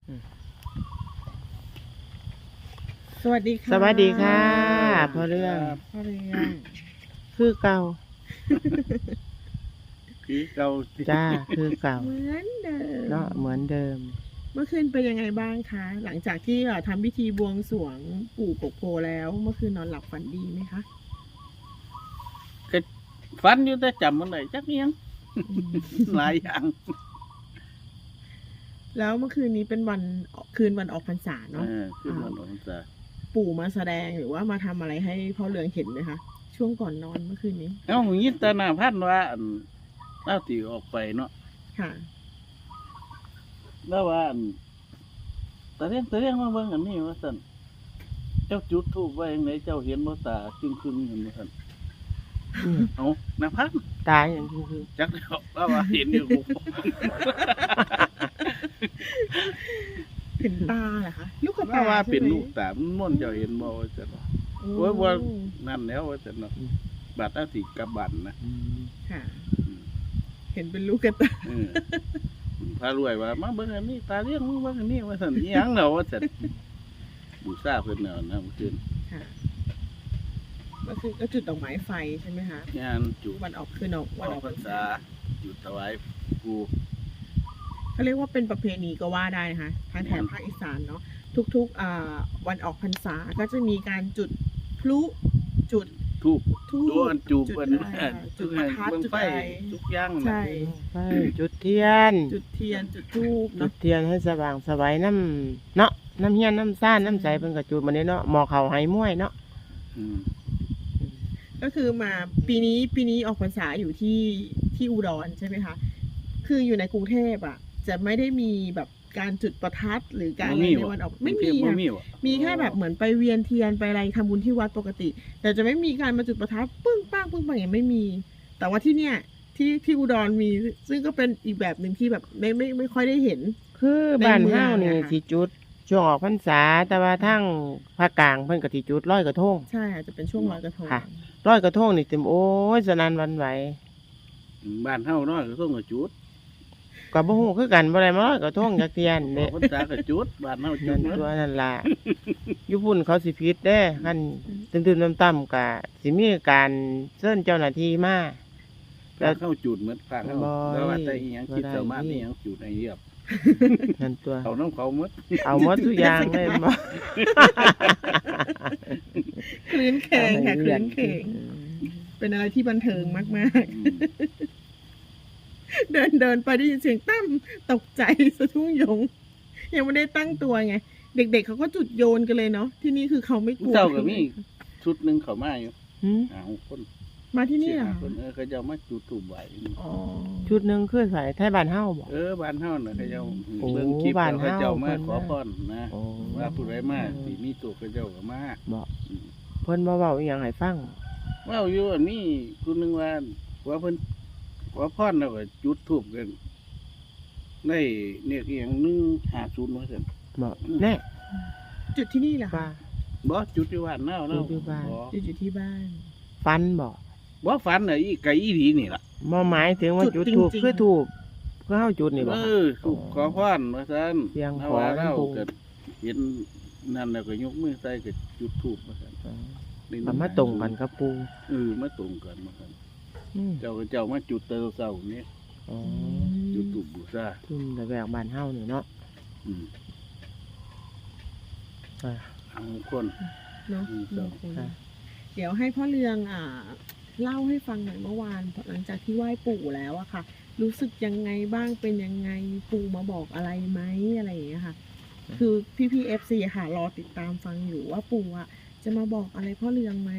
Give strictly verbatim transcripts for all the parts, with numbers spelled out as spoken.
สวัสดีค่ะสวัสดีค่ะพ่อเรื่องพ่อเรื่องคือเก่าคือเก่าจ้าคือเก่าเหมือนเดิมเนาะเหมือนเดิมเมื่อคืนเป็นยังไงบ้างคะ หลังจากที่เอ่อทำพิธีบวงสรวงปู่กกโพแล้ว เมื่อคืนนอนหลับฝันดีไหมคะก็ฝันอยู่แต่จำมันได้จักเนียง หลายอย่างแล้วเมื่อคืนนี้เป็นวันคืนวันออกพรรษาเอเนาะอคือมันออกพรรษาปู่มาแสดงหรือว่ามาทำอะไรให้พ่อเรืองเห็นไหมคะ ช่วงก่อนนอนเมื่อคืนนี้เอ้าหยินแตาหน้าพันว่าอั่นเล่าตีออกไปเนาะค่ะแล้วว่าอั่นตาเรียงตาเรียงมาเบิ่งอันนี้ว่าซั่นเจ้าจุดธูปไว้จังไดเจ้าเห็นบ่ตาจึงครึ่งเห็นบ่ซั่นอืมเอ้าหน้าพันตายอย่างคือคือจักแล้วว่าว่าเห็นอยู่เห็นตาเหรอคะ ลูกกระว่าตาว่าเป็นใช่ไหมลูกตามันม่วนเจ้าเห็นบ่ว่าซั่นโอ้โอ้ยว่านั่นแล้วว่าซั่นเนาะบาดเอาสิกลับบ้านนะอืมค่ะ เห็นเป็นลูกกระตาเออพารวยว่ามาเบิ่งอันนี้ตาเลี้ยงมึงเบิ่งอันนี้ว่าซั่นอีหยังเนาะว่าซั่นบูชาเพิ่นเนาะนะเมื่อคืนค่ะก็คือก็จุดดอกไม้ไฟใช่ไหมคะงานจุดวันออกคืนออกวัวันนออกพรรษาจุดถวายปูเขาเรียกว่าเป็นประเพณีก็ว่าได้นะคะทางแถบภาคอีสานเนาะทุกๆอ่าวันออกพรรษาก็จะมีการจุดพลุจุดทูบทูดวนจูบจุดเพิ่นอะไรอะจุดประทัดเบิ่งจุดไฟอะไรทุกอย่างน่ะใช่ไปจุดเทียนจุดเทียนจุดทูบจุเนาะดเทียนให้สว่างสวัยน้ำเนาะน้ำเฮียนน้ำซ่านน้ำใสเพิ่นก็จุดมานี้เนาะหมอเขาไหม้วยเนาะอืมก็คือมาปีนี้ปีนี้ออกพรรษาอยู่ที่ที่อุดรใช่ไหมคะคืออยู่ในกรุงเทพอ่ะ จะไม่ได้มีแบบการจุดประทัดหรือการอะไรในวันออกไม่มีบ่ค่ะมีว่ะมีแค่แบบเหมือนไปเวียนเทียนไปอะไรทำบุญที่วัดปกติ แต่จะไม่มีการมาจุดประทัดปึ้งป้างปึ้งปังอย่างไม่มี แต่ว่าที่เนี่ยที่ที่อุดรมี ซึ่งก็เป็นอีกแบบหนึ่งที่แบบไม่ไม่ไม่ค่อยได้เห็นคือบ้านเฮาในเมืนี่องอะค่ะสิจุดช่วงออกพรรษาแต่ว่าทั้งภาคกลางเพิ่นก็สิจุดร้อยกระทงใช่อาจจะเป็นช่วงลอยกระทงค่ะ ร้อยกระทงนี่เต็มโอ้ยสนั่นหวันไหวบ้านเฮาเนาะก็ต้องก็จุดก็บ่ฮู้คือกันบ่ได้มาร้อยกระทงจักเทียนอเด้อกพรรษาก็จุดบ้านเฮาจุนั่ดนเนาะตัวนั่นล่ะ อยู่พุ่นเขาสิผิดเด้คันตื่นๆต่ำๆก็สิมีการเชิญเจ้าหน้าที่มาพระเข้าจุดเหมือนพระเข้าบ่แล้วว่าแต่อีหยังคิดบ่ได้สามารถอีหยังจุดให้เรียบนั่นตัวเอาน้ำเขาหมดเอาหมดทุกอย่างเลยบ่คลื้นเคงค่ะคลื้นเคงเป็นอะไรที่บันเทิงมากอืมๆ เดินเดินไปได้ยินเสียงตั้มตกใจสะทุ่งยง ยังไม่ได้ตั้งตัวไง เด็กๆเขาก็จุดโยนกันเลยเนาะที่นี่คือเขาไม่กลัวเจ้าก็มีชุดหนึงเขามาอยู่หืมหาคนมาที่นี่สี่เหรอห้าคะคนเออเขาเจ้ามาจุดถูกไว้อ๋อชุดหนึงคือใส่ไทยบ้านเฮาบ่เออบ้านเฮาน่ะเขาเจ้าโอ้เบิ่งคลิปบ้านแล้วเขาเจ้ามาเฮาขอพรนะโอ้ว่าผู้ใดมาสิมีตัวเขาเจ้าก็มาบ่อืมเพิ่นบ่เว้าอีหยังให้ฟังว่าอยู่อันนี้คุณนึงว่าว่าเพิ่นว่าพรแล้วก็จุดทูบกันได้เนี่ยอีหยังหนึ่งห้าศูนย์ว่าซั่นบ่แน่จุดที่นี่เหรอคะว่าบ่จุดอยู่บ้านเฮาเนาะจุดอยู่บ้านบ่จุดอยู่ที่บ้านฟันบ่บ่ฝันน่ะอีไก่อีหลีนี่ล่ะบ่หมายถึงว่าจุจุดดถูกจริงๆคือถูกคือเฮาจุดนี่บ่เอคะอถูกขอพรว่าซั่นเสียงถ้าขอว่าเราลำโพงก็เห็นนั่นแล้วก็ยกมือใส่ก็จุดทูบว่าซั่นอ๋อได้มันมาตรงกันกับปูเออมาตรงกันมาซั่นอืมเจ้าก็เจ้ามาจุดเตอเช้านี่อ๋อจุดทูบบูชาทุ่มแต่แบกบ้านเฮานี่เนาะอืมอ่าเอาคนเนาะอืมมงคลค่ะเดี๋ยวให้พ่อเรืองอ่า เล่าให้ฟังหน่อยเมื่อวานหลังจากที่ไหว้ปู่แล้วอะค่ะ รู้สึกยังไงบ้างเป็นยังไงปู่มาบอกอะไรไหมอะไรอย่างเงี้ยค่ะ คือพี่พีเอฟซีค่ะรอติดตามฟังอยู่ว่าปู่อะจะมาบอกอะไรพ่อเรืองไหม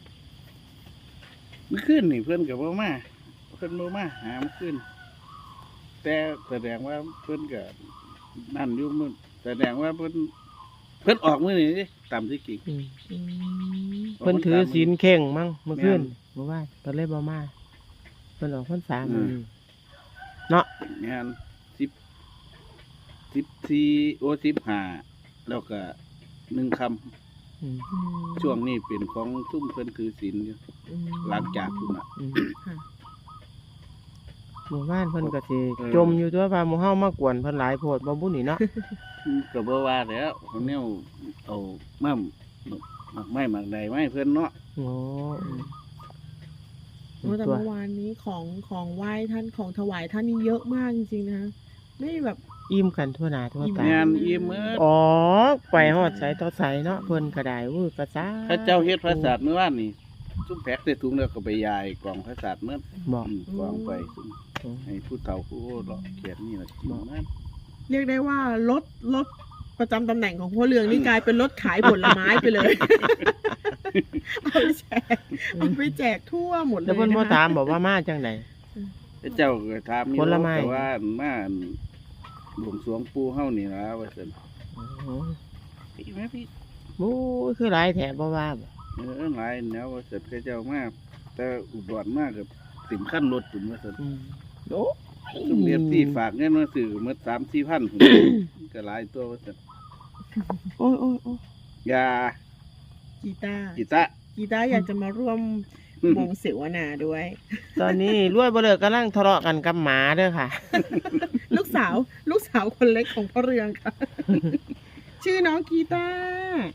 เมื่อคืนนี่เพิ่นก็บ่มาเพิ่นบ่มาหาเมื่อคืนแต่แสดงว่าเพิ่นก็นั่นอยู่มื้อแสดงว่าเพิ่นเพิ่นออกมื้อนี้ดิตามที่จริงอืมอืมเพิ่นถือศีลเข่งมั้งเมื่อคืนเมื่อวานเพิ่นเลยบ่มาเพิ่นออกพรรษามื้อนี้เนาะงานสิบสิบสี่โอ้สิบห้าแล้วก็หนึ่งคำอืมอืมช่วงนี้เป็นของซุ่มเพิ่นคือศีลอยู่อืมหลังจากพุ่นน่ะอืมค่ะหมู่บ้านเพิ่นก็สิจมอยู่ตัวว่าหมู่เฮามากวนเพิ่นหลายโพดบ่บุญนี่เนาะก็บ่ว่าแล้วคนแนวเอามาหมักไม้หมักใดไม้เพิ่นเนาะโอ้อืมโอ้แต่เมื่อวานนี้ของของไหว้ท่านของถวายท่านนี่เยอะมากจริงๆนะคะไม่แบบอิ่มกันทั่วหน้าทั่วตางานอิ่มเมื่ออ๋อไปฮอดไสต่อไสเนาะเพิ่นก็ได้อู้กระซ่าพระเจ้าเฮ็ดพระศาสตร์เมื่อวานนี่ซุ่มแพ็กใส่ถุงแล้วก็ไปยายกล่องพระศาสตร์เมื่อบอกอืมกล่องไปซุ่มให้ผู้เฒ่าผู้โอ้หลอกเขียนนี่ล่ะกินมันเรียกได้ว่ารถรถประจำตำแหน่งของพ่อเรืองนี่กลายเป็นรถขายผลไม้ไปเลย เอาไปแจกเอาไปแจกทั่วหมดเลยแล้วเพิ่นบ่นะคะถามบอกว่ามาจังไดพระเจ้าก็ถามอยู่ผลไม้แต่ว่ามาหลวงสรวงปู่เฮานี่ล่ะว่าซั่นอ๋อพี่แม่พี่โอ้ยคือหลายแถบบ่ว่าบ่เออหลายแนวว่าซั่นพระเจ้ามาแต่อุดรมาก็ติ่มขั้นรถพุ่นว่าซั่นอืมโอ้ซุ่มเรียนที่ฝากเงินมาซื้อหมด สามสี่พัน พุ่น ก็หลายตัวว่าซั่นโอ้ยโอ้ยโอ้ยยากีตาร์กิตะกีตาร์อยากจะมาร่วมวงเสวนาด้วยตอนนี้รวยบ่เลิกกำลังทะเลาะกันกับหมาเด้อค่ะลูกสาว ลูกสาวคนเล็กของพ่อเรืองค่ะ ชื่อน้องกีตาร์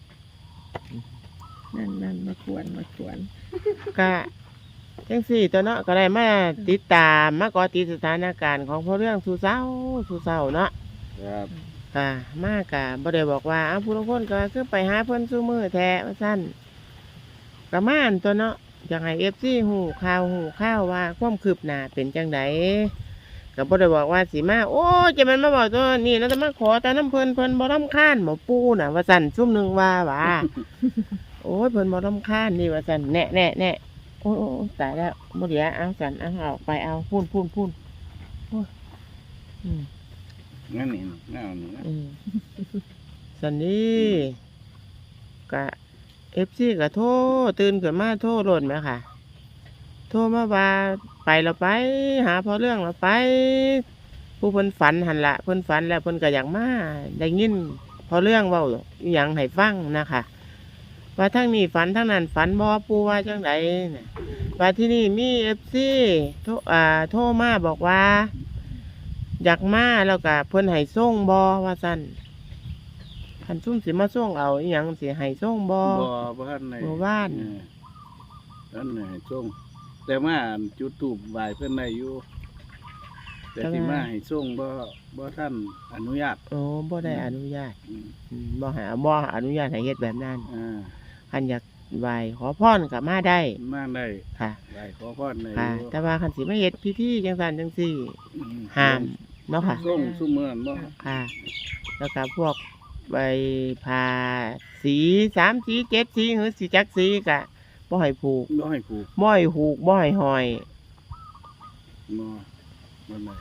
นั่นนั่นมาควรมาควรก็จังสี่ตัวเนาะก็ได้มาติดตามมาเกอติดสถานการณ์ของพ่อเรื่องสู่เศร้าสู่เศร้าเนาะครับค่ะมากกะบ่ได้บอกว่าอ้าวผู้ลางคนก็คือไปหาเพิ่นสู่มือแท้ว่าซั่นก็มาอันตัวเนาะอยากให้ เอฟ ซี ฮู้ข่าวฮู้ข่าวว่าความคืบหน้าเป็นจังไดก็บ่ได้บอกว่าสิมาโอ้ยจะมันมาบอกตัวนี้แล้วจะมาขอแต่น้ำเพิ่นเพิ่นบ่รำคาญหมอปูน่ะว่าซั่นซุ่มหนึงว่าว่า โอ้ยเพิ่นบ่รำคาญนี่ว่าซั่นแน่แน่แน่โอ้ยโอ้ยโอ้ยตายแล้วบ่เหลือเอาซั่นเอาเอาไปเอาพูนพูนพูนโอ้ยอืมงั้นนี่แนวนี้นะอืมสันนี้กะเอฟซีกะโทรตื่นขึ้นมาโทรโหลดไหมค่ะ โทรมาว่าไปเราไป หาพอเรื่องเราไป ผู้เพิ่นฝันหันละเพิ่นฝันแล้วเพิ่นก็อยากมาได้ยินพอเรื่องเว้าอหย่างให้ฟังนะคะว่าทั้งนี้ฝันทั้งนั้นฝันบ่ปูว่าจังไดน่ะว่าที่นี่มีเอฟซีโทรอ่าโทรมาบอกว่า อยากมาแล้วก็เพิ่นให้ส่งบ่ว่าซั่นคันซุ่มสิมาส่งเอาอีหยังสิให้ส่งบ่บ่บ่ทันในบ่ว่านนั่นน่ะส่งแต่มาจุดทูบไหว้เพิ่นได้อยู่แต่ที่มาให้ส่งบ่บ่ท่านอนุญาตโอ้บ่ได้อนุญาตอืมอืมบ่หาบ่อนุญาตให้เฮ็ดแบบนั้นอ่าคันอยากไหว้ขอพรก็มาได้มาได้ค่ะไหว้ขอพรได้ค่ะอยู่แต่ว่าคันสิมาเฮ็ดพิธีจังซั่นจังซี่อืมห้ามเนาะค่ะส่งซุมื้อนั้นบ่ค่ะ แล้วก็พวกใบพาสีสามสีเจ็ดสีหรือสีจักสีก็บ่ให้ผูกบ่ให้ผูกบ่ให้ผูกบ่ให้ห้อยบ่บ่ได้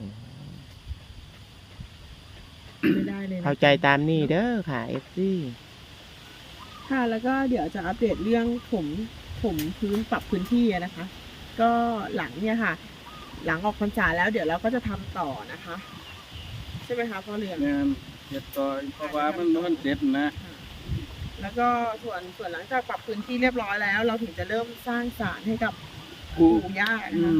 ไม่ได้เลยนะเข้าใจตามนี้เด้อค่ะ เอฟ ซีค่ะ แล้วก็เดี๋ยวจะอัปเดตเรื่องผมผมพื้นปรับพื้นที่อะนะคะ ก็หลังเนี่ยค่ะ หลังออกพรรษาแล้วเดี๋ยวเราก็จะทำต่อนะคะ ใช่ไหมคะพ่อเรืองแม่นเฮ็ดต่อเพราะว่ามันบ่ทันเสร็จนะค่ะแล้วก็ส่วนส่วนหลังจากปรับพื้นที่เรียบร้อยแล้ว เราถึงจะเริ่มสร้างศาลให้กับครูปู่ย่านะอืคะม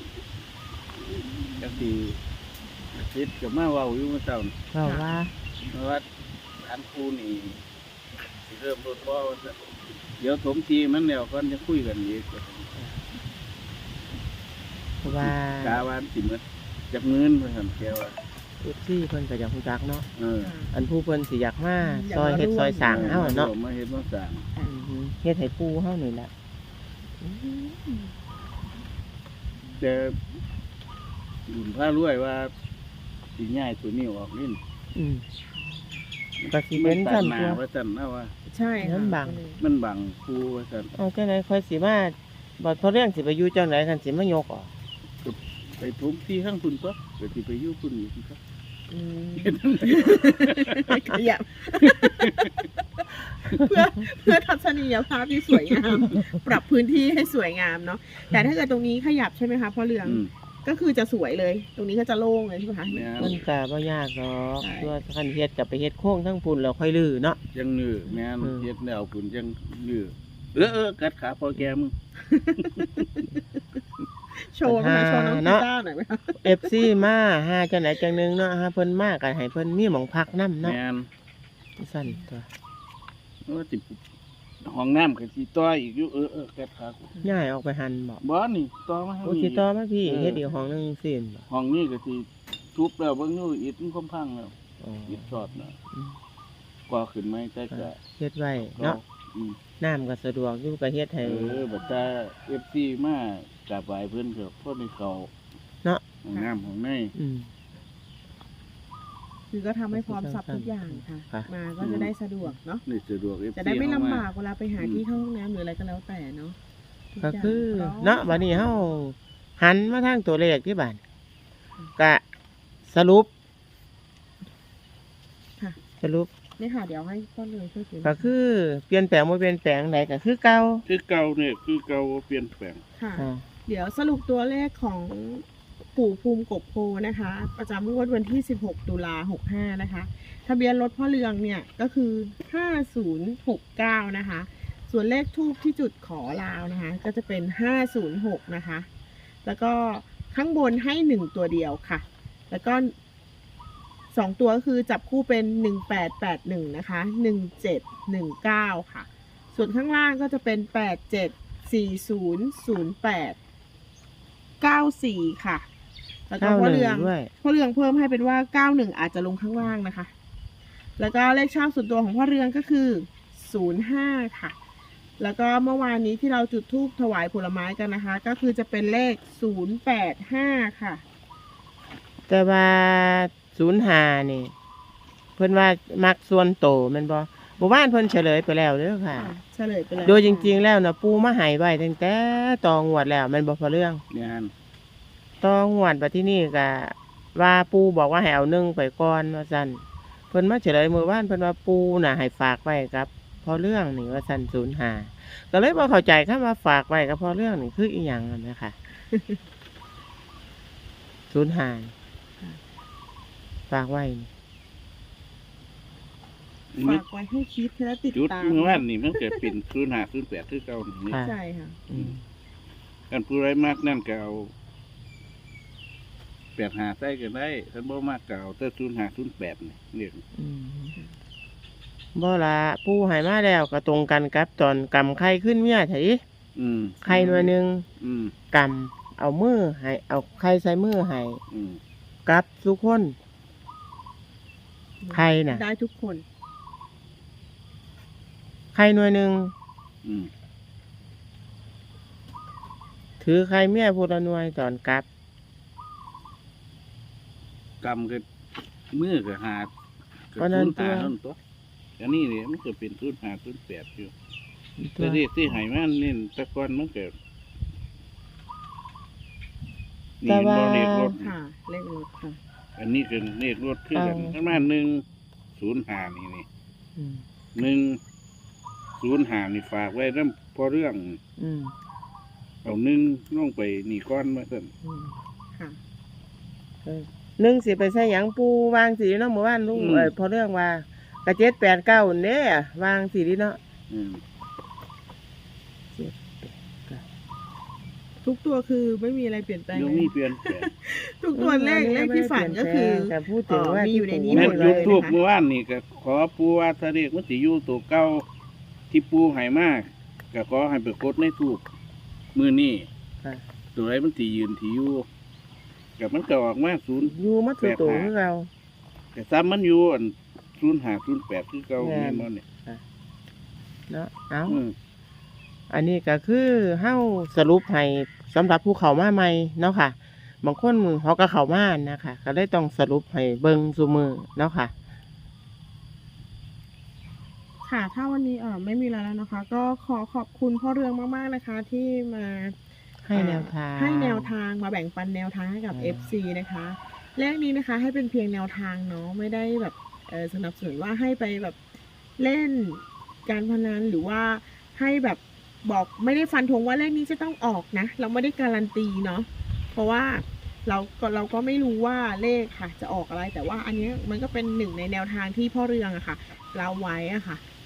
จังสิอาทิตย์ก็มาเว้าอยู่เมื่อเช้านี่เพราะว่าเพราะว่าร้านครูนี่สิเริ่มรถบ่ว่าซั่นเดี๋ยวถมทีมันแล้วก่อนจะคุยกันอีกเพราะว่ากาว่าสิหมดจักเงินเพิ่นซั่นแกว่าเอฟซีเพิ่นก็อยากรู้จักเนาะเออค่ะอันผู้เพิ่นสิอยากมาซอยเฮ็ดซอยสร้างเฮาเนาะมาเฮ็ดมาสร้างอือฮึเฮ็ดให้ปู่เฮานี่แหละแต่บุญพารวยว่าสิย้ายตัวนี้ออกนี่อืมก็สิเป็นตัซั่ดนหน้าตัวว่าซั่นนะว่าใช่ค่ะมันบังมันบังครูว่าซั่นเอาจังได๋ค่อยสิมาบ่พอเรื่องสิไปอยู่จังไดคันสิมายกออกไปถมที่ข้างพุ่นตัวก็สิไปอยู่พุ่นอีกครับอืมขยับ เพื่อเพื่อทัศนียภาพที่สวยงาม ปรับพื้นที่ให้สวยงามเนาะแต่ถ้าเกิดตรงนี้ขยับใช่ไหมคะพ่อเรืองอืมก็คือจะสวยเลย ตรงนี้ก็จะโล่งเลยใช่ไหมคะแม่นมันก็บ่ยากหรอกใช่ตัวคันเฮ็ดก็ไปเฮ็ดโค้งทั้งพุ่นแล้วค่อยลื้อเนาะยังยื้อแม่นอืมเฮ็ดแล้วพุ่นยังยื้อเออเออกัดขาพอแกมึงโชว์ไหมคะโชว์น้องกีตาร์หน่อยไหมคะเอฟซีมาหาจังไหนจังหนึงเนาะหาเพิ่นมาก็ให้เพิ่นมีหม่องพักนำเนาะแม่นสั่นตัวโอ้ติห้องน้ำก็สิต่ออีกอยู่เออเออแกขากูย้ายออกไปหันบ่บ่นี่ต่อมาทางโอ้นี้สิต่อมาพี่เออเฮ็ดอีกห้องหนึงสิบ่ห้องนี้ก็สิทุบแล้วเบิ่งอยู่อิฐมันค่อมพังแล้วอ๋ออิฐสอดน่ะอืมกว่าขึ้นไหมแต่ก็เฮ็ดไว้เนาะอืมน้ำก็สะดวกอยู่ก็เฮ็ดเอให้อบัดตา เอฟ ซี มากราบไหว้เพิ่นก็พอได้เข้าเนาะห้องน้ำห้องในอืมคือก็ทำให้พร้อมสับทุกอย่างค่ะค่ะมาก็จะได้สะดวกเนาะนี่สะดวก เอฟ ซีจะได้ไม่ลำบากเเวลาไปหาที่เข้าห้องน้ำหรืออะไรก็แล้วแต่เนาะทุก็ย่างคือพร้มเนาะบัดนี้เฮาหันมาทางตัวเลขที่บ้านก็สรุปค่ะสรุปนี่ค่ะเดี๋ยวให้พ่อเลยช่วยถือก็คือเปลี่ยนแปลงบ่เปลี่ยนแปลงใดก็คือเก่าคือเก่าเนี่ยคือเก่าบ่เปลี่ยนแปลงค่ะอ่าเดี๋ยวสรุปตัวเลขของปู่ภูมิกบโพนะคะ ประจำงวดวันที่ สิบหก ตุลาหกห้านะคะ ทะเบียนรถพ่อเรืองเนี่ยก็คือ ห้าศูนย์หกเก้า นะคะ ส่วนเลขทูปที่จุดขอลาวนะคะ ก็จะเป็น ห้าศูนย์หก นะคะ แล้วก็ข้างบนให้หนึ่งตัวเดียวค่ะ แล้วก็สองตัวก็คือจับคู่เป็นหนึ่งแปดแปดหนึ่งนะคะหนึ่งเจ็ดหนึ่งเก้าค่ะ ส่วนข้างล่างก็จะเป็นแปดเจ็ดสี่ศูนย์ศูนย์แปดเก้าสี่ค่ะ แล้วก็พ่อเรืองเก้าหนึ่งด้วยพ่อเรืองเพิ่มให้เป็นว่าเก้าหนึ่งอาจจะลงข้างล่างนะคะ แล้วก็เลขชอบส่วนตัวของพ่อเรืองก็คือศูนย์ห้าค่ะ แล้วก็เมื่อวานนี้ที่เราจุดธูปถวายผลไม้กันนะคะ ก็คือจะเป็นเลขศูนย์แปดห้าค่ะแต่ว่าศูนย์ห้านี่ เพิ่นว่ามักส่วนโตแม่นบ่หมู่บ้านเพิ่นเฉลยไปแล้วเด้อค่ะค่ะเฉลยไปแล้วโดยจริงๆแล้วนะปูมาใหายไว้ตั้งแต่ตองวดแล้วแมันบ่พอเรื่องงานตองวดบัดที่นี่ก็ว่าปูบอกว่าให้เอาหนึ่งไปก่อนว่าซั่นเพิ่นมาเฉลยมื้อวานเพิ่นว่าปูน่ะให้ฝากไว้กับพอเรื่องนี่ว่าซั่นศูนย์ห้าก็เลยบ่เข้าใจคำว่าฝากไว้กับพอเรื่องนี่คืออีหยังนั่นนะคะ ศูนย์ห้าฝากไว้นี่มิฝากไว้ให้คิดและติดจุดตามเมื่อวานนี่มันก็เป็นศูนย์ห้า ศูนย์แปดคือเก่านี่ค่ะใช่ค่ะอืมกันผู้ใดมากนั่นก็เอาแปดห้าใส่ก็ได้ท่านบ่มากก็เอาแต่ศูนย์ห้า ศูนย์แปดนี่เรียกอืมบ่ละปูให้มาแล้วก็ตรงกันกับตอนกำไข่ขึ้นเมียไถอืมไข่หน่วยหนึงอืมกำเอามือให้เอาไข่ใส่มือให้อืมกับทุกคน ใครน่ะได้ทุกคนไข่หน่วยหนึ่งอืมถือไข่เมียพูละหน่วยตอนกลับกำก็มือก็หาก็วันนั้ศูนนย์ห้าตัวนั่นตัวอันนี้เนี่ยมันก็เป็นศูนย์ห้า ศูนย์แปดอยู่ตัแต่วเด็กที่ให้มันนี่แตะกอนมันก็นี่แต่ว่าบ่เลขรถค่ะ เลขรถค่ะอันนี้คือเลขรถคือกันเอาประมาณหนึ่งศูนย์ห้านี่นี่อืมหนึ่งศูนย์ห้านี่ฝากไว้นำพอเรื่องอืมเอาหนึ่งลงไปนี่ก้อนมาสั่นอืมค่ะเออหนึ่งสิไปใส่หยังปูวางสีเนาะหมู่บ้านลุงเอ้ยพอเรื่องว่ากระเจ็ดแปดเก้าเด้วางสีดีเนาะอืมทุกตัวคือไม่มีอะไรเปลี่ยนแปลงยังเลมียเปลี่ยนแปลงทุกตัวเลขเลขที่ฝันก็คือแต่พูดถึงว่าเอ่อมีอยู่ในนี้แม่หมนดเลยุยบนะคะทูบเมื่อวานนี่ก็ขอปูว่าถ้าเรียกมันสิอยู่ตัวเก่าที่ปูให้มากก็ขอให้ไปกดในทูบมือนี่ค่ะตัวไหนมันสิยืนที่อยู่กับมันก็ออกมาศูนย์อยู่มาตัวโตคือเราแต่ซ้ำมันอยู่อันศูนย์ห้าศูนย์แปดคือเก่าแม่แม่นนบ่เนี่ยเนาะเอาอืมอันนี้ก็คือเฮาสรุปให้สำหรับผู้เข้ามาใหม่เนาะค่ะ บางคนเขาก็เข้ามานะคะก็เลยต้องสรุปให้เบิ่งซุมือเนาะค่ะค่ะ ถ้าวันนี้เออไม่มีอะไรแล้วนะคะ ก็ขอขอบคุณพ่อเรืองมากๆนะคะ ที่มาให้แนวทางให้แนวทางมาแบ่งปันแนวทางให้กับอ่าเอฟ ซี นะคะเลขนี้นะคะ ให้เป็นเพียงแนวทางเนาะไม่ได้แบบเออสนับสนุนว่าให้ไปแบบเล่นการพนันหรือว่าให้แบบบอกไม่ได้ฟันธงว่าเลขนี้จะต้องออกนะ เราไม่ได้การันตีเนาะเพราะว่าเราก็เราก็ไม่รู้ว่าเลขค่ะ จะออกอะไร แต่ว่าอันนี้มันก็เป็นหนึ่งในแนวทางที่พ่อเรืองอะค่ะ เราไว้อะค่ะ